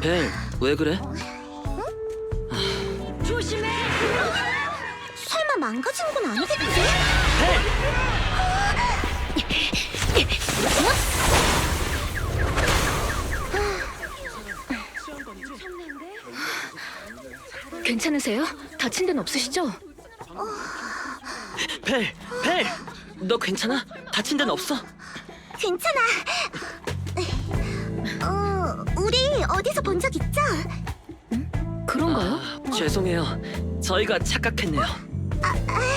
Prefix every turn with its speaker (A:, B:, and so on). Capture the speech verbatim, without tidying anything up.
A: 벨, 왜 그래?
B: 조심해.
C: 설마 망가진 건 아니겠지?
B: 괜찮으세요? 다친 데는 없으시죠?
A: 벨, 벨! 너 괜찮아? 다친 데는 없어?
C: 괜찮아. 어, 우리 어디서 본 적 있죠?
B: 그런가요?
A: 아, 죄송해요. 저희가 착각했네요.
C: 아,